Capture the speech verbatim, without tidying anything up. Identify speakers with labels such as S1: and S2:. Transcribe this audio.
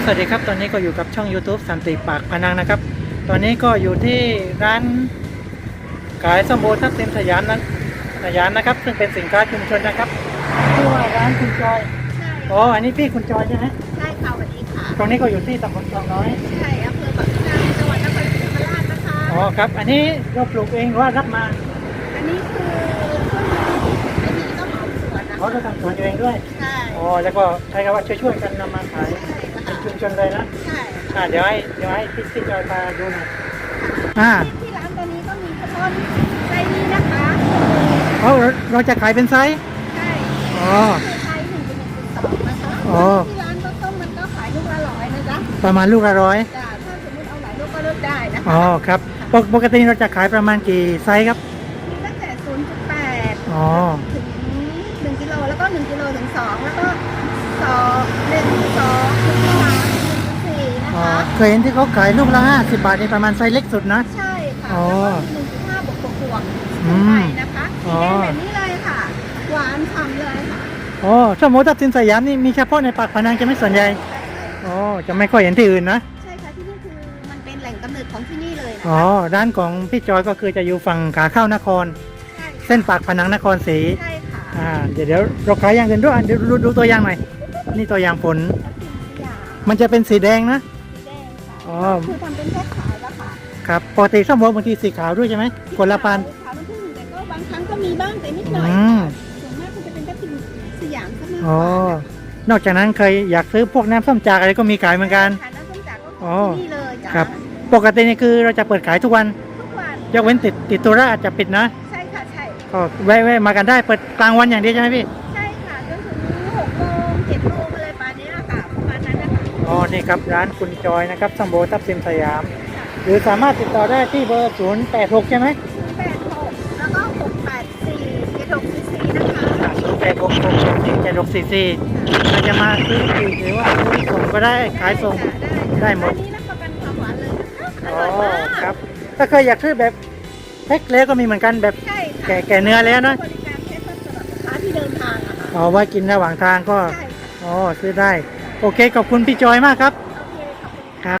S1: วัสดีครับตอนนี้ก็อยู่กับช่อง YouTube สันติปากพนังนะครับตอนนี้ก็อยู่ที่ร้านขายส้มโอทับทิมสยามนั้นสยามนะครับซึ่งเป็นสินค้าชุมชนนะครับชื่อว่าร้านคุณจอย
S2: ใช่
S1: อ๋ออันนี้พี่คุณจอยใช่ไหม
S2: ใช่ค่ะสวัสดีค่ะ
S1: ตรงนี้ก็อยู่ที่ตำบลคลองน้อย
S2: ใช่อำเภอปากพนังจังหวัดนครศรีธรรมราชนะคะ
S1: อ๋อครับอันนี้เราปลูกเองหรือว่ารับมา
S2: อันนี้คืออันนี้ก็เหมาสวนนะ
S1: อ๋อเราทำสวนเองด้วย
S2: ใช่
S1: อ๋อแล้วก็ใช้คำว่าช่วยๆกันนำมาขายเป็นชุมชนเลยนะ
S2: ใช่
S1: อ่าเดี๋ยวให้เดี๋ยวให้พี่พี่จอยพาดูหน่อยอ่า
S2: ที่ร้านตอนนี้ก็มีข้าวต้มไส้นี้นะคะ
S1: อ๋อเราจะขายเป็นไซส์
S2: ใช่
S1: อ๋อ
S2: ไส้หนึ่งเป็นหนึ่งจุดสองนะคะที่ร้านข้าวต้มมันก็ขายลูกละร้อยนะจ๊ะ
S1: ประมาณลูกละร้อย
S2: จ้ะถ้าสมมติเอาหลายลูกก็เลือกได้นะคะ
S1: อ๋อครับปกปกติเราจะขายประมาณกี่ไซส์ครับ
S2: มีตั้งแต่ศูนย์จุดแปด
S1: อ๋อ
S2: ถึงหนึ่งกิโลแล้วก็หนึ่งกิโลถึงสองแล้วก็สองหนึ่งสองถึงสามหนึ่งสี่นะคะ
S1: เคยเห็นที่เขาขายลูกละห้าสิบบาทนี่ประมาณไซส์เล็กสุดนะ
S2: ใช่ค่ะ
S1: อ๋อ
S2: แล้วก็หนึ่งจุดห้าบวกบวกบวก
S1: อืม
S2: ไปนะคะสีแดงแบบนี้เลยค่ะ หวานฉ่ำเลยค่ะ
S1: อ๋อส้มโอทับทิมสยามนี่มีเฉพาะในปากพนังจะไม่ส่วนใหญ่อ๋อจะไม่ค่อยเห็นที่อื่นนะ
S2: ใช่ค่ะที่นี่คือมันเป็นแหล่งกำเนิดของที่นี่เลยนะ
S1: อ๋อ
S2: คะ
S1: ร้านของพี่จอยก็คือจะอยู่ฝั่งขาเข้านคร
S2: ใช่
S1: เส้นปากพนังนครศรี
S2: ใช่ค่ะ
S1: อ่าเดี๋ยวเดี๋ยวเราขายอย่างอื่นด้วยอ่ะเดี๋ยวดูดูตัวอย่างหน่อยนี่ตัวอย่างผล
S2: สยาม
S1: มันจะเป็นสีแดงนะ
S2: สีแดงค่ะ
S1: อ๋อ
S2: คือทำเป็นแค่ขายแล้วค่ะ
S1: ครับปกติส้มโอบางทีสีขาวด้วยใช่ไหมคนละพันธุ์
S2: ขาวน้ำผึ้งแต่ก็บางครั้งก็มีบ้างแต่นิดหน่อย
S1: อืม
S2: ส่วนมากคือจะเป็นทับทิมสยามซะมากก
S1: อ๋อ
S2: ว่าน
S1: อกจากนั้นเคยอยากซื้อพวกน้ำส้มจากอะไรก็มีขายเหมือนกัน
S2: ขายน้ำส้มจากก็ข
S1: อ๋
S2: อ
S1: อ
S2: งที่นี่เลยจ้ะ
S1: ครับ ปกตินี่คือเราจะเปิดขายทุกวัน
S2: ทุกวัน
S1: ยกเว้นติดติดตัวราอาจจะปิดนะ
S2: ใช่ค่ะใช่
S1: ก็แวะแวะมากันได้เปิดกลางวันอย่างเดียวใช่ไหมพี่
S2: ใช่ค่ะจนถึงหกโมงเจ็ดโมงอะไรประมาณนี้ค่ะประมาณนั้นนะคะ
S1: อ๋อ นี่ครับร้านคุณจอยนะครับส้มโอทับทิมสยาม หรือสามารถติดต่อได้ที่เบอร์ศูนย์แปดหกใช่ไหม
S2: แปดหกแล้วก็หกแปดสี่เจ็ดหกสี่สี่นะคะ
S1: ศูนย์แปดหกหกสี่เจ็ดหกสี่สี่เราจะมาซื้อปีกหรือว่าซื้อส่งก็ได้ขายส่ง ได้หมด
S2: อันนี้รับประกันความหวานเลยนะคะอ
S1: อ๋อ
S2: ร่อยมาก
S1: ครับ ถ้าเคยอยากซื้อแบบแพ็คเล็กก็มีเหมือนกันแบบ
S2: ใช่ค่ะ
S1: แก่แก่เนื้อแล้วนะ
S2: บริการแค่ต้นสำหรับลูกค้าที่เดินทางอะค่ะ
S1: อ๋อไว้กินระหว่างทางก็
S2: ใช่ค่ะ
S1: อ๋อซื้อได้ โอเคขอบคุณพี่จอยมากครับ